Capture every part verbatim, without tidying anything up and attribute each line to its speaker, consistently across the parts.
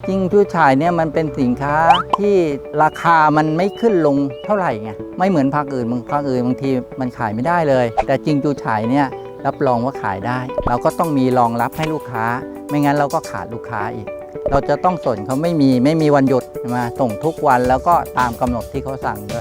Speaker 1: จริงจู้ฉ่ายเนี่ยมันเป็นสินค้าที่ราคามันไม่ขึ้นลงเท่าไหร่ไงไม่เหมือนภาคอื่นบางภาคอื่นบางทีมันขายไม่ได้เลยแต่จริงจู้ฉ่ายเนี่ยรับรองว่าขายได้ เราก็ต้องมีรองรับให้ลูกค้าไม่งั้นเราก็ขาดลูกค้าอีกเราจะต้องส่งเขาไม่มีไม่มีวันหยุดมาส่งทุกวันแล้วก็ตามกำหนดที่เขาสั่งด้วย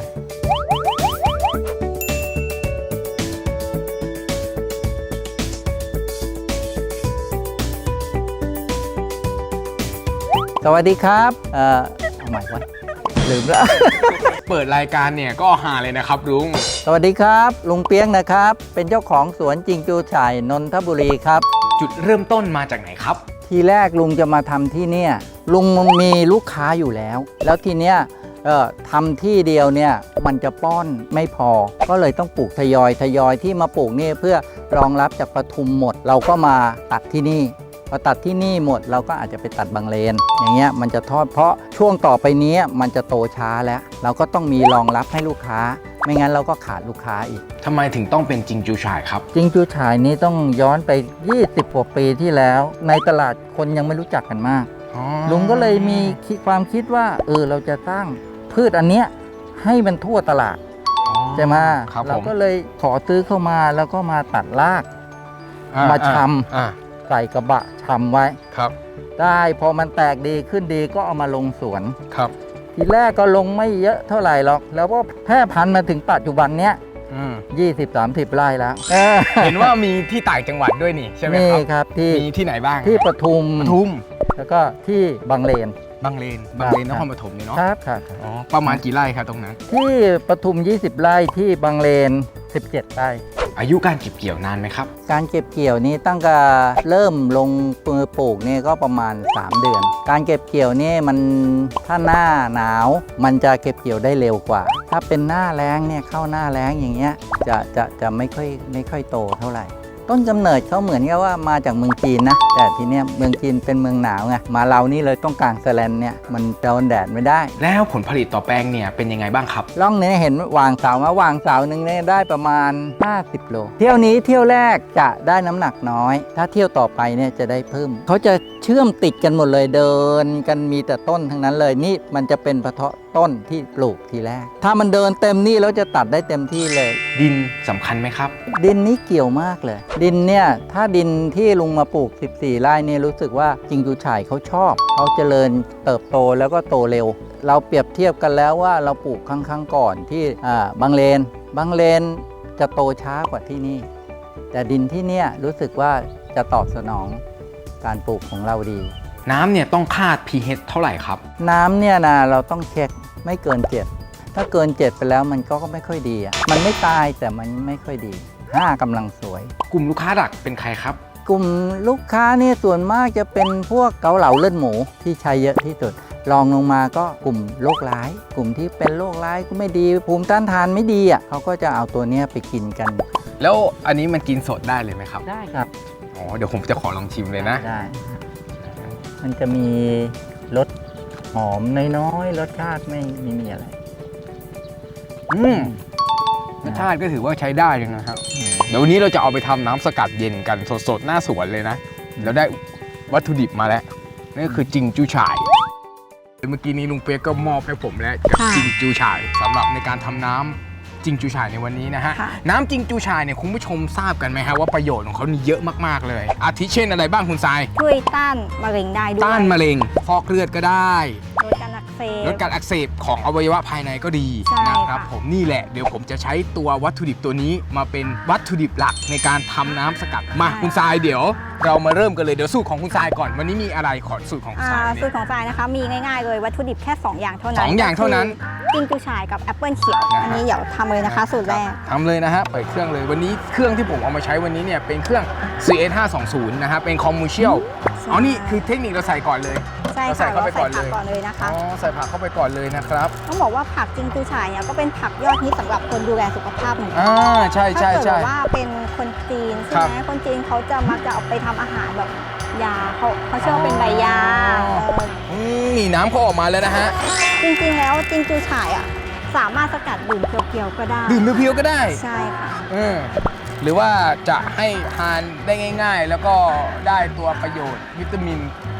Speaker 1: สวัสดีครับเอ่อเอาใหม่วะลืมแล้ว
Speaker 2: เปิดรายการเนี่ยก็หาเลยนะครับลุง
Speaker 1: สวัสดีครับลุงเปียกนะครับเป็นเจ้าของสวนจริงจู้ฉ่ายนนทบุรีครับ
Speaker 2: จุดเริ่มต้นมาจากไหนครับ
Speaker 1: ทีแรกลุงจะมาทำที่เนี่ยลุงมีลูกค้าอยู่แล้วแล้วทีเนี้ยเอ่อทำที่เดียวเนี่ยมันจะป้อนไม่พอก็เลยต้องปลูกทยอยทยอยที่มาปลูกนี่เพื่อรองรับจากปทุมหมดเราก็มาตัดที่นี่พอตัดที่นี่หมดเราก็อาจจะไปตัดบางเลนอย่างเงี้ยมันจะทอดเพราะช่วงต่อไปนี้มันจะโตช้าแล้วเราก็ต้องมีรองรับให้ลูกค้าไม่งั้นเราก็ขาดลูกค้าอีก
Speaker 2: ทำไมถึงต้องเป็นจริงจู้ฉ่ายครับ
Speaker 1: จริงจู้ฉ่ายนี้ต้องย้อนไปยี่สิบกว่าปีที่แล้วในตลาดคนยังไม่รู้จักกันมากลุงก็เลยมีความคิดว่าเออเราจะสร้างพืชอันเนี้ยให้มันทั่วตลาดใช่ไหมเราก็เลยขอซื้อเข้ามาแล้วก็มาตัดรากมาชำใส่กระบะชำไว้
Speaker 2: ครับ
Speaker 1: ได้พอมันแตกดีขึ้นดีก็เอามาลงสวน
Speaker 2: ครับ
Speaker 1: ทีแรกก็ลงไม่เยอะเท่าไหร่หรอกแล้วก็แพร่พันธุ์มาถึงปัจจุบันเนี้ยยี่สิบสามสิบไร่แล้ว
Speaker 2: เห็นว่ามีที่ต่างจังหวัดด้วยนี่ใช่ไหมครับ
Speaker 1: นี่ครับที่
Speaker 2: มีที่ไหนบ้าง
Speaker 1: ที่ปทุม
Speaker 2: ปทุม
Speaker 1: แล้วก็ที่บางเลน
Speaker 2: บางเลนบางเลนนครปฐมเนี่ยเนาะ
Speaker 1: ครับครับ
Speaker 2: อ๋อประมาณกี่ไร่ครับตรงนั้น
Speaker 1: ที่ปทุมยี่สิบไร่ที่บางเลนสิบเจ็ดไร่
Speaker 2: อายุการเก็บเกี่ยวนานไหมครับ
Speaker 1: การเก็บเกี่ยวนี้ตั้งแต่เริ่มลงมือปลูกนี่ก็ประมาณสามเดือนการเก็บเกี่ยวนี่มันถ้าหน้าหนาวมันจะเก็บเกี่ยวได้เร็วกว่าถ้าเป็นหน้าแล้งเนี่ยเข้าหน้าแล้งอย่างเงี้ยจะจะจะไม่ค่อยไม่ค่อยโตเท่าไหร่ต้นกำเนิดเขาเหมือนกับว่ามาจากเมืองจีนนะแต่ทีเนี้ยเมืองจีนเป็นเมืองหนาวไงมาเรานี่เลยต้องกางแสแลนเนี่ยมันโดนแดดไม่ได้
Speaker 2: แล้วผลผลิตต่อแปลงเนี่ยเป็นยังไงบ้างครับ
Speaker 1: ร่องนี้เห็นวางเสามาวางเสาหนึ่งเนี่ยได้ประมาณห้าสิบโลเที่ยวนี้เที่ยวแรกจะได้น้ำหนักน้อยถ้าเที่ยวต่อไปเนี่ยจะได้เพิ่มเขาจะเชื่อมติดกันหมดเลยเดินกันมีแต่ต้นทั้งนั้นเลยนี่มันจะเป็นเพาะต้นที่ปลูกทีแรกถ้ามันเดินเต็มนี่แล้วจะตัดได้เต็มที่เลย
Speaker 2: ดินสำคัญไหมครับ
Speaker 1: ดินนี้เกี่ยวมากเลยดินเนี่ยถ้าดินที่ลุงมาปลูกสิบสี่ไร่เนี่ยรู้สึกว่าจริงจู้ฉ่ายเขาชอบเขาเจริญเติบโตแล้วก็โตเร็วเราเปรียบเทียบกันแล้วว่าเราปลูกครั้งครั้งก่อนที่บางเลนบางเลนจะโตช้ากว่าที่นี่แต่ดินที่เนี่ยรู้สึกว่าจะตอบสนองการปลูกของเราดี
Speaker 2: น้ำเนี่ยต้องคาด pH เท่าไหร่ครับ
Speaker 1: น้ำเนี่ยนะเราต้องเช็คไม่เกินเจ็ดถ้าเกินเจ็ดไปแล้วมันก็ไม่ค่อยดีอ่ะมันไม่ตายแต่มันไม่ค่อยดีห้ากำลังสวย
Speaker 2: กลุ่มลูกค้าหลักเป็นใครครับ
Speaker 1: กลุ่มลูกค้าเนี่ยส่วนมากจะเป็นพวกเกาเหลาเลือดหมูที่ใช้เยอะที่สุดรองลงมาก็กลุ่มโรคร้ายกลุ่มที่เป็นโรคร้ายก็ไม่ดีภูมิต้านทานไม่ดีอ่ะเขาก็จะเอาตัวเนี้ยไปกินกัน
Speaker 2: แล้วอันนี้มันกินสดได้เลยไหมครับ
Speaker 1: ได้ครับ
Speaker 2: อ๋อเดี๋ยวผมจะขอลองชิมเลยนะ
Speaker 1: ได้มันจะมีรสหอมน้อยๆรสชาติไม่ไม่มีอะไร
Speaker 2: อืมรสชาติก็ถือว่าใช้ได้เลยนะครับเดี๋ยววันนี้เราจะเอาไปทำน้ำสกัดเย็นกันสดๆหน้าสวนเลยนะแล้วได้วัตถุดิบมาแล้วนั่นก็คือจริงจู้ฉ่ายเมื่อกี้นี้ลุงเปียกก็มอบให้ผมแล้วกับจริงจู้ฉ่ายสำหรับในการทำน้ำจริงจู้ฉ่ายในวันนี้นะฮะน้ำจริงจู้ฉ่ายเนี่ยคุณผู้ชมทราบกันไหมฮะว่าประโยชน์ของเขานี่เยอะมากๆเลยอาทิเช่นอะไรบ้างคุณทราย
Speaker 3: ช่วยต้านมะเร็งได้ด้วย
Speaker 2: ต้านมะเร็งฟอกเลือดก็ได้
Speaker 3: ลดการอักเสบ
Speaker 2: ลดการอักเสบของอวัยวะภายในก็ดีนะครับผมนี่แหละเดี๋ยวผมจะใช้ตัววัตถุดิบตัวนี้มาเป็นวัตถุดิบหลักในการทำน้ำสกัดมาคุณทรายเดี๋ยวเรามาเริ่มกันเลยเดี๋ยวสูตรของคุณทรายก่อนวันนี้มีอะไรขอสูตรของคุณทราย
Speaker 3: สูตรของทรายนะคะมีง่ายๆเลยวัตถุดิบแค่สองอย่างเท่านั้น
Speaker 2: สองอย่างเท่านั้น
Speaker 3: จริงจู้ฉ่ายกับแอปเปิลเขียวอันนี้เดี๋ยวทำเลยนะคะสูตรแรก
Speaker 2: ทำเลยนะฮะเปิดเครื่องเลยวันนี้เครื่องที่ผมเอามาใช้วันนี้เนี่ยเป็นเครื่อง ซี เอส ห้าสองศูนย์ นะฮะเป็นคอมเมอร์เชียลอ๋อนี่คือเทคนิคเราใส่ก่อนเลย
Speaker 3: ใช่ค่ะ
Speaker 2: ใส่เข้าไปก่อน
Speaker 3: เลยก่อนเลยนะคะ
Speaker 2: อ๋อใส่ผักเข้าไปก่อนเลยนะครับ
Speaker 3: ต้องบอกว่าผักจริงจู้ฉ่ายเนี่ยก็เป็นผักยอดฮิตสำหรับคนดูแลสุขภาพเหมือนกั
Speaker 2: อ่าใช่ใช่ใช่
Speaker 3: ถ้าเกิดว่าเป็นคนจีนใช่ไหมคนจีนเขาจะมักจะเอาไปทำอาหารแบบยาเขาเขาเชื่อว่าเป็นใบยา
Speaker 2: นี่น้ำเขาออกมาแล้วนะฮะ
Speaker 3: จริงๆแล้วจริงจู้ฉ่ายอ่ะสามารถสกัดดื่มเพียวๆก็ได้
Speaker 2: ดื่มเพียวๆก็ได้
Speaker 3: ใช่ค่ะ
Speaker 2: หรือว่าจะให้ทานได้ง่ายๆแล้วก็ได้ตัวประโยชน์วิตามิน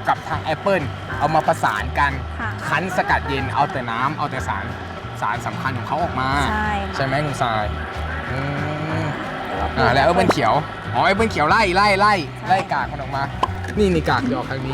Speaker 2: กับทางแอปเปิลเอามาประสานกัน
Speaker 3: ค่ะ
Speaker 2: คั้นสกัดเย็นเอาแต่น้ำเอาแต่สารสารสำคัญของเขาออกมา
Speaker 3: ใช่
Speaker 2: ใช่ไหมคุณทรายอืม
Speaker 3: เดี๋ยวเรา
Speaker 2: อ่าแล้วแอปเปิล
Speaker 3: ปลูก
Speaker 2: เขียวอ๋อแอปเปิลเขียวไล่ไล่ไล่
Speaker 3: ใช่
Speaker 2: ไล่กากมันออกมา นี่นี่กากหยอกทางนี้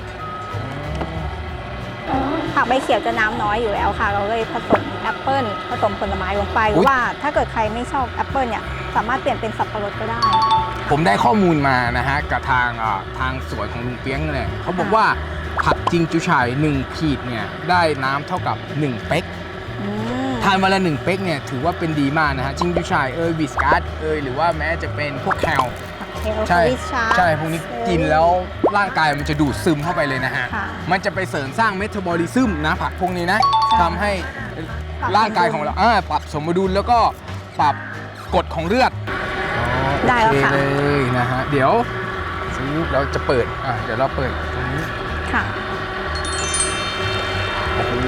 Speaker 3: ผักใบเขียวจะน้ำน้อยอยู่แล้วค่ะ เราเลยผสมแอปเปิลผสมผลไม้ลงไปหรือว่าถ้าเกิดใครไม่ชอบแอปเปิลเนี่ยสามารถเปลี่ยนเป็นสับปะรดก็ได้
Speaker 2: ผมได้ข้อมูลมานะฮะกับทางอ่าทางสวนของลุงเปียงเนี่ยเขาบอกว่าผักจิงจูฉ่ายหนึ่งขีดเนี่ยได้น้ำเท่ากับหนึ่งเป๊ก
Speaker 3: อืม
Speaker 2: ทานวันละหนึ่งเป๊กเนี่ยถือว่าเป็นดีมากนะฮะจิงจูฉ่ายเอยวิสกัสเอยหรือว่าแม้จะเป็นพวกแคล
Speaker 3: เฮล
Speaker 2: ใช่
Speaker 3: วิชา
Speaker 2: ใช่พวกนี้กินแล้วร่างกายมันจะดูดซึมเข้าไปเลยนะฮะ
Speaker 3: ค่ะ
Speaker 2: มันจะไปเสริมสร้างเมตาบอลิซึมนะผักพวกนี้นะ
Speaker 3: ใช่
Speaker 2: ทำให้ร่างกายของเราอ่าปรับสมดุลแล้วก็ปรับกรดของเลือด
Speaker 3: ได้แล้วค่ะ
Speaker 2: โอเคเลยนะฮะเดี๋ยวซื้อเราจะเปิดอ่ะเดี๋ยวเราเปิดตรงนี้
Speaker 3: ค่ะ
Speaker 2: โอ้โห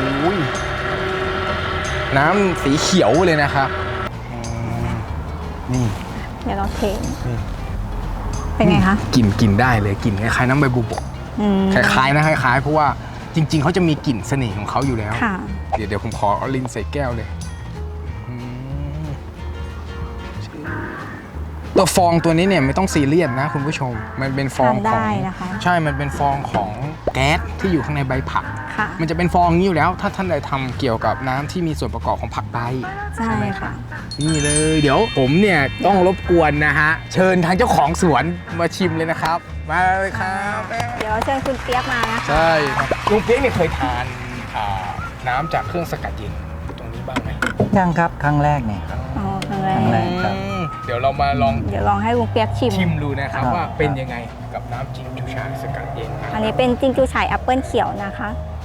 Speaker 2: น้ำสีเขียวเลยนะครับอืมนี่
Speaker 3: เดี๋ยวเราเท
Speaker 2: นี่
Speaker 3: เป็นไงคะ
Speaker 2: กลิ่นกลิ่นได้เลยกลิ่นคล้ายๆน้ำใบบุบก
Speaker 3: อืม
Speaker 2: คล้ายๆนะคล้ายๆเพราะว่าจริง ๆเขาจะมีกลิ่นเสน่ห์ของเขาอยู่แล้ว
Speaker 3: ค่ะ
Speaker 2: เดี๋ยวเดี๋ยวผมขอเอาลิ้นใส่แก้วเลยอืมตัวฟองตัวนี้เนี่ยไม่ต้องซีเรียสนะคุณผู้ชม มันเป็นฟอง
Speaker 3: ทาน
Speaker 2: ข
Speaker 3: ได้
Speaker 2: อง
Speaker 3: นะคะ
Speaker 2: ใช่ มันเป็นฟองของแก๊สที่อยู่ข้างในใบผัก
Speaker 3: ค่ะ
Speaker 2: มันจะเป็นฟองอย่างนี้อยู่แล้ว ถ้าท่านใดทำเกี่ยวกับน้ำที่มีส่วนประกอบของผักใบ
Speaker 3: ใช่
Speaker 2: ไหมครั
Speaker 3: ค่ะ
Speaker 2: บนี่เลย เดี๋ยวผมเนี่ยต้องรบกวนนะฮะ เชิญทางเจ้าของสวนมาชิมเลยนะครับ มาเลยครับ
Speaker 3: เดี๋ยวเชิญคุณเปียกมานะคะ
Speaker 2: ใช่ครับลุงเปี๊ยกเนี่ยเคยทานอ่าน้ำจากเครื่องสกัดเย็นตรงนี้บ้างไหม
Speaker 1: ยังครับครั้งแรกเนี่ยครับ
Speaker 3: อ๋อครั้งแร
Speaker 1: ครั้งแรก
Speaker 3: ก
Speaker 1: ครับ
Speaker 2: อืมเดี๋ยวเรามาลอง
Speaker 3: เดี๋ยวลองให้ลุงเปียกชิม
Speaker 2: ชิมดูนะครับ
Speaker 1: ครับ
Speaker 2: ว่าเป็นยังไงกับน้ำจิงจูฉ่ายสกัดเย็น
Speaker 3: อันนี้เป็นจิงจูฉ่ายแอปเปิลเขียวนะคะ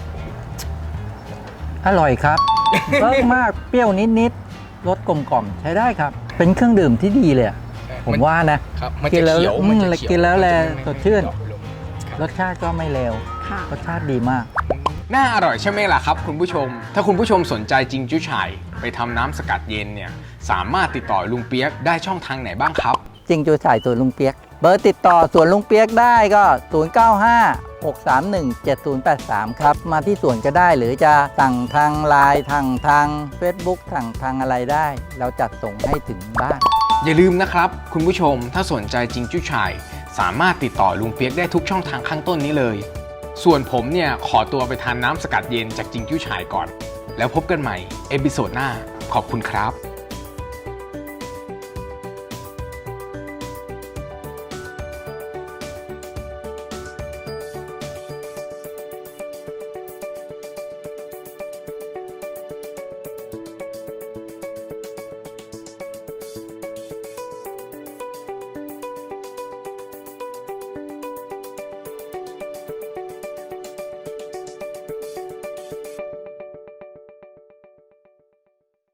Speaker 1: อร่อยครับ เพิ่มมากเปรี้ยวนิดๆรสกลมกล่อมใช้ได้ครับ เป็นเครื่องดื่มที่ดีเลยอะผมว่านะ
Speaker 2: ครับมัน
Speaker 1: กิ
Speaker 2: จะ
Speaker 1: นแล้ว
Speaker 2: เขียว
Speaker 1: อืม
Speaker 2: มันจะเขียว
Speaker 1: กินแล้วแล
Speaker 2: มันจะไม่
Speaker 1: สดชื่น
Speaker 2: ไม่ดอกลงครับ
Speaker 1: รสชาติก็ไม่เลว
Speaker 3: ค่ะ
Speaker 1: รสชาติดีมาก
Speaker 2: น่าอร่อยใช่ไหมล่ะครับคุณผู้ชม ถ้าคุณผู้ชมสนใจจิงจูฉ่ายไปทำน้ำสกัดเย็นเนี่ยสามารถติดต่อลุงเปียกได้ช่องทางไหนบ้างครับ
Speaker 1: จริงจูฉ่ายสวนลุงเปียก เบอร์ติดต่อสวนลุงเปียกได้ก็ ศูนย์ เก้า ห้า หก สาม หนึ่ง เจ็ด ศูนย์ แปด สาม ครับ มาที่สวนก็ได้หรือจะสั่งทางไลน์ทางทาง Facebook สั่งทางอะไรได้ เราจัดส่งให้ถึงบ้าน
Speaker 2: อย่าลืมนะครับคุณผู้ชมถ้าสนใจจิงจูฉ่ายสามารถติดต่อลุงเปียกได้ทุกช่องทางข้างต้นนี้เลย ส่วนผมเนี่ยขอตัวไปทานน้ำสกัดเย็นจากจิงจูฉ่ายก่อน แล้วพบกันใหม่เอพิโซดหน้าขอบคุณครับ